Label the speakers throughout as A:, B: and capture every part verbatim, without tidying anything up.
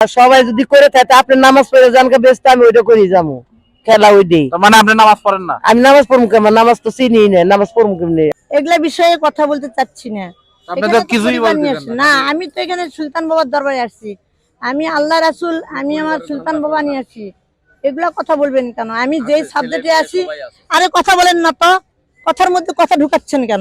A: আর সবাই যদি করে থাকে আপনি নামাজ পড়ে জানকে ব্যস্ত আমি ওইটা করি যাবো খেলা ওই দিই।
B: মানে আপনি নামাজ পড়েন না?
A: আমি নামাজ পড়বো কেমন, নামাজ তো চিনি না, নামাজ পড়বো কেমনি?
C: এগুলা বিষয়ে কথা বলতে চাচ্ছি না।
B: আপনি তো কিছুই বলতেছেন
C: না, আমি তো এখানে সুলতান বাবার দরবারে আসছি। আমি আল্লাহ রাসূল, আমি আমার সুলতান বাবা নিয়ে আসছি। এগুলা কথা বলবেন কেন? আমি যেই সাবজেক্টে আছি, আরে কথা বলেন না তো, কথার মধ্যে কথা ঢুকাচ্ছেন কেন?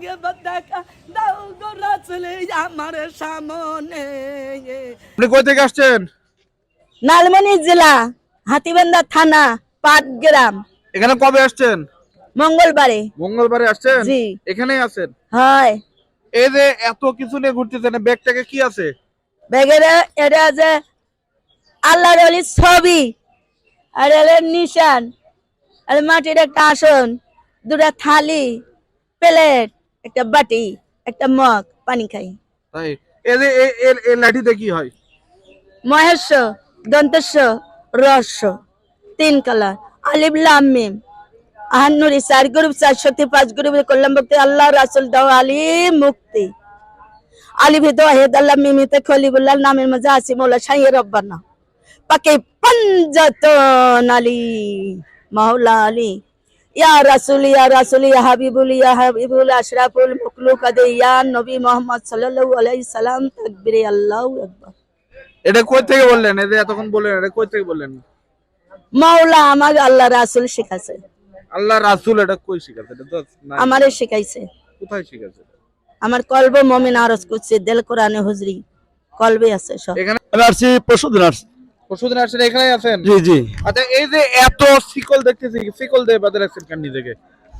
B: আপনি কই থেকে আসছেন?
C: লালমনি জেলা, হাতীবান্ধা থানা, পাটগ্রাম।
B: এখানে কবে আসছেন?
C: মঙ্গলবারে।
B: মঙ্গলবারে আসছেন?
C: জি।
B: এখানেই আছেন?
C: হয়।
B: এই যে এত কিছু নিয়ে ঘুরতেছেন, ব্যাগটাকে কি আছে?
C: ব্যাগের এটা আছে আল্লাহর ওলির ছবি, আর এর নিশান, আর মাটির একটা আসন, দুটা থালি, প্লেট, একটা বাটি, একটা মগ, পানি খাই।
B: তাই এই যে এই লাঠিতে কি হয়?
C: মহেশ, দন্তস্ব, রস্য, তিন কালার, আলিফ লাম মিম, আহান্নুরি, চার গ্রুপ, চারশোতে পাঁচ গ্রুপে করলাম ভক্তি, আল্লাহ রাসূল দাও আলী মুক্তি। আলিফে দোয়াহেদ আল্লাহ মিমিতে খলিবুল্লাহ, নামের মধ্যে আছে মৌলা শাইয়ে রব্বানা পাকে পাঞ্জাতন আলী মাওলা আলী ইয়া রাসূল ইয়া রাসূল ইয়া হাবিবুল ইয়া হাবিবুল আশরাফুল মাখলুকাত ইয়া নবী মুহাম্মদ সাল্লাল্লাহু আলাইহি সাল্লাম। তাকবীরে আল্লাহু আকবার।
B: এটা কই থেকে বললেন? এই যে এতক্ষণ বললেন, এটা কই থেকে বললেন?
C: মাওলা আমাকে আল্লাহ রাসূল শিখাছে।
B: আল্লাহ রাসূল এটা কই শিখাছে? এটা তো নাই।
C: আমারে শিখাইছে।
B: কোথায় শিখাছে?
C: আমার কলবে মুমিন আরজ করছে, দিল কোরআনে হুজরি কলবে আছে সব।
B: এখানে
D: আমি আসছি পরশুদিন আসছি।
B: পরশুদিন আসছেন, এখানেই আছেন?
D: জি জি।
B: আচ্ছা, এই যে এত শিকল দেখতেছি, শিকল দিয়ে বাঁধে রাখছেন কেন নিজেকে?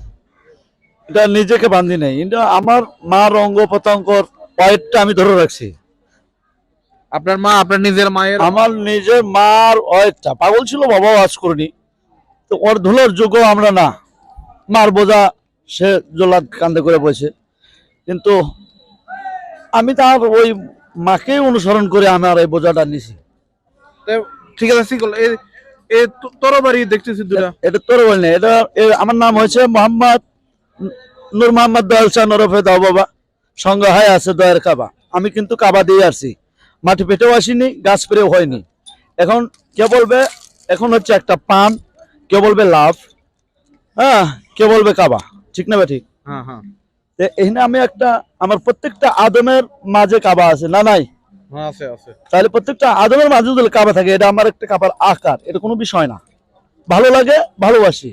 D: এটা নিজেকে বান্ধি নাই, এটা আমার মার অঙ্গ প্রত্যঙ্গর ওয়েটটা আমি ধরে রাখছি।
B: আপনার মা, আপনার নিজের মায়ের?
D: আমার নিজের মার ওয়েটটা পাগল ছিল, বাবাও আজ করিনি, তো ওর ধুলোর যোগ্য আমরা না। মার বোঝা সে জোলাদ কান্দে করে বসে, কিন্তু আমি তার ওই মাকেই অনুসরণ করে আমার এই বোঝাটা নিছি।
B: ঠিক আছে, শিকল এই এই তরবারি দেখতেছি দুটা।
D: এটা তোর বল না, এটা আমার নাম হয়েছে মোহাম্মদ নূর মোহাম্মদ দয়াল শাহ নরফে দাও বাবা, সঙ্গে হয় আছে দয়ের কাবা। আমি কিন্তু কাবা দিয়ে আসছি, মাটি পেটেও আসিনি, গাছ পেরেও হয়নি। এখন কে বলবে এখন হচ্ছে একটা পান, কে বলবে লাভ, হ্যাঁ কে বলবে কাবা, ঠিক না? ঠিক।
B: হ্যাঁ হ্যাঁ,
D: এখানে আমি একটা, আমার প্রত্যেকটা আদমের মাঝে কাবা আছে না নাই?
B: হ্যাঁ আছে আছে।
D: তাহলে প্রত্যেকটা আদমের মাঝে যদি কাবা থাকে, এটা আমার একটা কাবার আকার, এটা কোনো বিষয় না। ভালো লাগে, ভালোবাসি।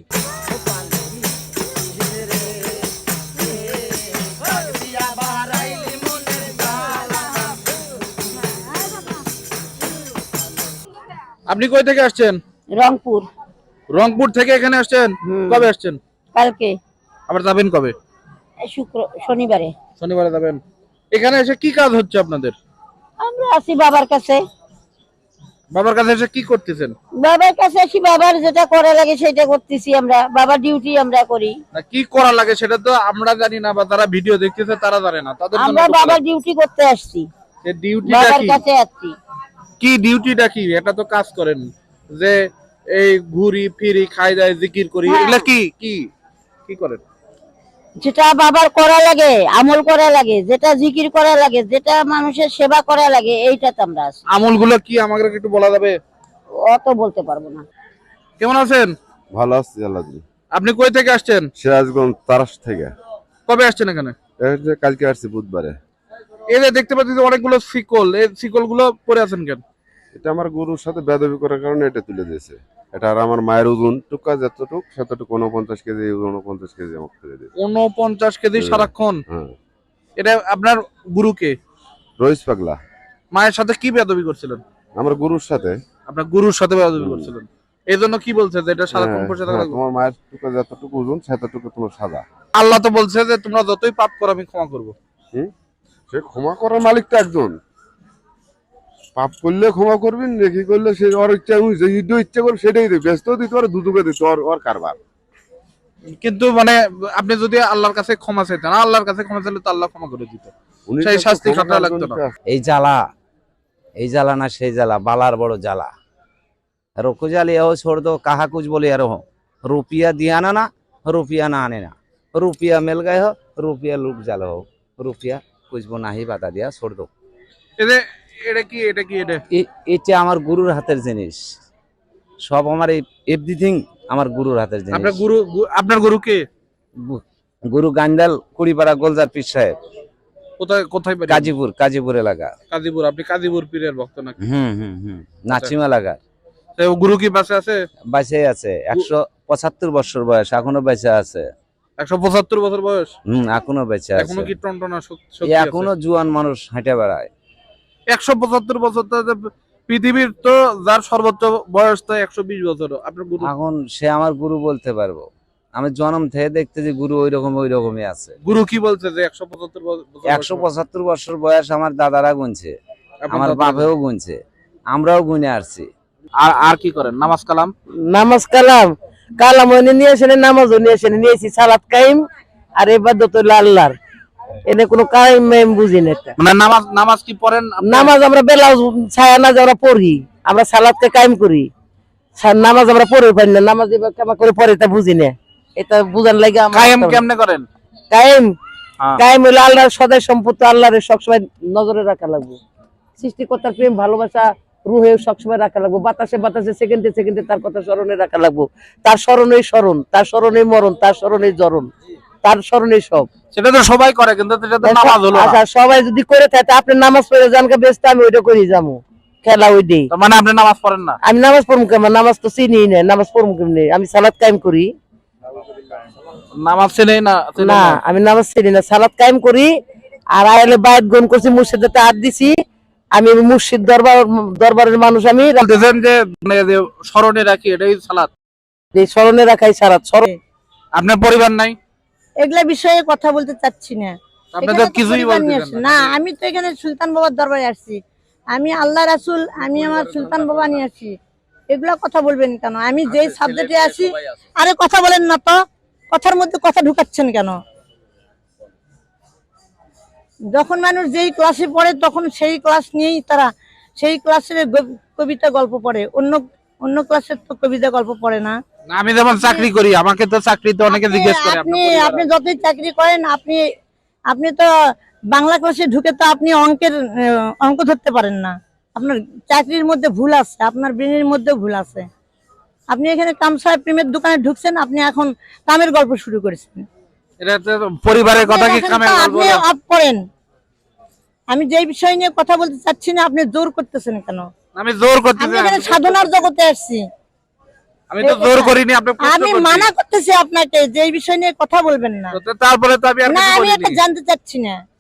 B: আপনি কই থেকে আসছেন?
C: রংপুর।
B: রংপুর থেকে এখানে আসছেন? কবে আসছেন?
C: কালকে।
B: আবার যাবেন কবে?
C: শুক্র শনিবারে।
B: শনিবারে যাবেন। এখানে এসে কি কাজ হচ্ছে আপনাদের?
C: আমরা আছি বাবার কাছে।
B: বাবার কাছে এসে কি করতেছেন?
C: বাবার কাছে আসি, বাবার যেটা করা লাগে সেটা করতেছি আমরা, বাবার ডিউটি আমরা করি।
B: না কি করা লাগে সেটা তো আমরা জানি না, বা যারা ভিডিও দেখতেছে তারা জানে না, তাদের জন্য
C: আমরা বাবার ডিউটি করতে আসছি,
B: এই ডিউটিটা
C: বাবার
B: কি?
C: কাছে আসছি।
B: কি ডিউটিটা কি? এটা তো কাজ করেন যে এই ঘুরি ফিরি খাই দাই জিকির করি,
C: হ্যাঁ।
B: এগুলা কি কি কি করেন?
C: যেটা বাবার করা লাগে, আমল করা লাগে, যেটা জিকির করা লাগে, যেটা মানুষের সেবা করা লাগে, এইটাতে আমরা আছি।
B: আমলগুলো কি আমাকে একটু বলা যাবে?
C: অত বলতে পারবো না।
B: কেমন আছেন?
E: ভালো আছি আল্লাহ দিলে।
B: আপনি কই থেকে আসছেন?
E: সিরাজগঞ্জ তারাস থেকে।
B: কবে আসছেন এখানে?
E: এই যে কালকে আসছি বুধবারে।
B: এই যে দেখতে পাচ্ছি যে অনেকগুলো শিকল, এই শিকল গুলো পরে আছেন কেন?
E: এটা আমার গরুর সাথে বেদবি করার কারণে এটা তুলে দিয়েছে। এটা আর আমার মায়ের ওজন টুকা যতটুক সেতটুকু উনপঞ্চাশ কেজি, উনপঞ্চাশ কেজি আমাকে তুলে দিয়েছে।
B: উনপঞ্চাশ কেজি সারাক্ষণ?
E: হ্যাঁ।
B: এটা আপনার গুরুকে?
E: রইস পাগলা।
B: মায়ের সাথে কি বেয়াদবি করছিলেন?
E: আমার গরুর সাথে।
B: আপনার গুরুর সাথে বেয়াদবি করছিলেন, এই জন্য কি বলছে যে এটা সারাক্ষণ বসে থাকা লাগবে?
E: তোমার মায়ের টুকা যতটুকু ওজন সেতটুকু তোমার সাদা।
B: আল্লাহ তো বলছে যে তোমরা যতই পাপ করো আমি ক্ষমা করবো।
E: হুম, সে ক্ষমা করার মালিক তো একজন। পাপ করলে ক্ষমা করবি, নেকি করলে সে ওর ইচ্ছা, যে ইচ্ছা করবে সেটাই দেবে, ব্যস্ত দিতে পারে, দুদুকে দিতে ওর ওর কারবার।
B: কিন্তু মানে আপনি যদি আল্লাহর কাছে ক্ষমা চাইতেন, আল্লাহর কাছে ক্ষমা চাইলে তো আল্লাহ ক্ষমা করে দিত, সেই শাস্তি খাটা লাগতো না।
F: এই জ্বালা, এই জ্বালা না সেই জ্বালা, বালার বড় জ্বালা। রুকু জালি हो छोड़ दो, कहा कुछ बोले यार हो, रुपया दिया ना ना, रुपया ना आने ना, रुपया मिल गए हो, रुपया लुट जालो हो, रुपया कुछ वो नहीं बता दिया, छोड़ दो।
B: এই যে এটা কি এটা কি এটা
F: এ- এটা আমার গুরুর হাতের জিনিস, সব আমার এভরিথিং আমার গুরুর হাতের জিনিস।
B: আপনার গুরু গু- আপনার গুরু কে?
F: গু- গুরু গান্ডাল কুড়িপাড়া গোলজার পীর সাহেব,
B: কোথায় কোথায় বাড়ি?
F: কাজীপুর কাজীপুর এলাকা।
B: কাজীপুর। আপনি কাজীপুর পীরের ভক্ত নাকি?
F: হুম হুম হুম নাচিম এলাকা।
B: তো গুরু কি বাসে আছে?
F: বেঁচে আছে, একশো পঁচাত্তর বছর বয়স, এখনো বেঁচে আছে।
B: একশো পঁচাত্তর বছর বয়স,
F: হম এখনো বেঁচে আছে।
B: এখনো কি টনটনা শক-
F: এ
B: শক্তি আছে?
F: এখনো জুয়ান মানুষ হেঁটে বেড়ায়।
B: একশো পঁচাত্তর বছর তো যে পৃথিবীর তো যার সর্বোচ্চ বয়স তো একশো বিশ বছর। আপনার গুরু
F: এখন সে আমার গুরু বলতে পারবো, আমি জন্ম থেকে দেখতে যে গুরু ওই রকম ওই রকমই আছে।
B: গুরু কি বলছে যে একশো পঁচাত্তর বছর
F: একশো পঁচাত্তর বছর বয়স আমার দাদারা গুনছে,
B: আপনার
F: আমার
B: দাদা-
F: বাপেও গুনছে, আমরাও গুনে আসছি।
B: আর আর কি করেন? নামাজ কালাম?
A: নামাজ কালাম কালাম ওনে নিয়ে আসেন, নামাজও নিয়ে আসেন, নিয়েছি সালাত কাইম আর ইবাদত হইলো আল্লাহর। এনে কোনো কাইম মাইম বুঝি না এটা।
B: মানে নামাজ নামাজ কি পড়েন আপনি?
A: নামাজ আমরা বেলা ছায়া নাজ আমরা পড়ি, আমরা সালাতকে কায়েম করি। সা- নামাজ আমরা পড়ে পারি না, নামাজ এবার কেমন করে পড়ে তা বুঝি না। এটা বুঝার লাগে আমার
B: কায়েম কেমনে করেন?
A: কায়েম
B: হ্যাঁ।
A: কায়েম হইলো আল্লাহর সদাই সম্পত্তি, আল্লাহর সবসময় নজরে রাখা লাগবে। সৃষ্টিকর্তার প্রেম ভালোবাসা রুহে সবসময় রাখা লাগবে, বাতাসে বাতাসে সেকেন্ডে সেকেন্ডে তার কথা স্মরণে রাখা লাগবে। তার স্মরণেই স্মরণ, তার স্মরণেই মরণ, তার স্মরণেই জরণ, তার স্মরণেই সব।
B: সেটা তো সবাই করে, কিন্তু এটা তো নামাজ হলো না।
A: আচ্ছা সবাই যদি করে থাকে আপনি নামাজ পড়ে জানকে ব্যস্ত, আমি ওইটা করি যাবো খেলা ওই দিই।
B: তার মানে আপনি নামাজ পড়েন না?
A: আমি নামাজ পড়বো কেমন? নামাজ তো চিনি না, নামাজ পড়বো কেমনি? আমি সালাত কায়েম করি
B: নামাজ চেনেই না? চেনেন
A: না,
B: না।
A: আমি নামাজ চিনি না, সালাত কায়েম করি। আর আয়ালে বায়াত গ্রহণ করছি, মুর্শিদের হাত দিছি। আমি মুর্শিদ দরবার দরবারের মানুষ, আমি
B: বলতেছেন যে মানে যে স্মরণে রাখি এটাই সালাত।
A: এই স্মরণে রাখাই সালাত। স্মরণ
B: আপনার পরিবার নাই?
C: এগুলা বিষয়ে কথা বলতে চাচ্ছি না।
B: আপনি
C: এখানে
B: তো
C: তো
B: কিছুই
C: পরিবার নিয়ে
B: বলতেছেন
C: আসছি।
B: না।
C: না, আমি তো এখানে সুলতান বাবার দরবারে আসছি। আমি আল্লাহ রাসূল, আমি আমার সুলতান বাবা নিয়ে আসছি। এগুলা কথা বলবেন কেন? আমি যেই সাবজেক্টে আসি, আরে কথা বলেন না তো, কথার মধ্যে কথা ঢুকাচ্ছেন কেন? যখন মানুষ যেই ক্লাসে পড়ে তখন সেই ক্লাস নিয়েই তারা সেই ক্লাসের গ- কবিতা গল্প পড়ে, অন্য অন্য ক্লাসের তো কবিতা গল্প পড়ে না।
B: না, আমি যেমন চাকরি করি, আমাকে তো চাকরিতে অনেকে
C: আপনি
B: জিজ্ঞেস করে
C: আপনি
B: আপনার
C: আপনি
B: পরিবার
C: যতই চাকরি করেন, আপনি আপনি তো বাংলা ক্লাসে ঢুকে তো আপনি অঙ্কের আহ, অঙ্ক ধরতে পারেন না। আপনার চাকরির মধ্যে ভুল আছে, আপনার ব্রেনের মধ্যে ভুল আছে। আপনি এখানে কামসাহেব প্রেমের দোকানে ঢুকছেন, আপনি এখন কামের গল্প শুরু করেছেন।
B: এটা তো পরিবারের কথা কি
C: এখন
B: কামে
C: তো
B: বলবো
C: আপনি
B: না?
C: অফ করেন। আমি যেই বিষয় নিয়ে কথা বলতে চাচ্ছি না, আপনি জোর করতেছেন কেন?
B: আমি জোর করতেছি
C: আমি
B: না,
C: এখানে
B: আমি
C: সাধনার জগতে আসছি।
B: আমি তো জোর করিনি, আপনি প্রশ্ন
C: আমি
B: করছেন।
C: মানা করতেছি আপনাকে যে এই বিষয় নিয়ে কথা বলবেন না।
B: তো তারপরে তো আমি আর
C: না,
B: কিছু
C: আমি এটা
B: বলিনি।
C: জানতে চাচ্ছি না।